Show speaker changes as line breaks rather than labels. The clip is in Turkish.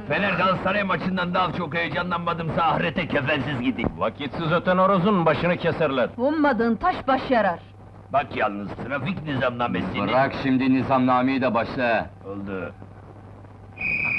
Fener Galatasaray maçından daha çok heyecanlanmadımsa ahirete kefensiz gideyim.
Vakitsiz öten horozun başını keserler.
Ummadığın taş baş yarar.
Bak yalnız, trafik nizamnamesini...
Bırak şimdi nizamnameyi de başla.
Oldu.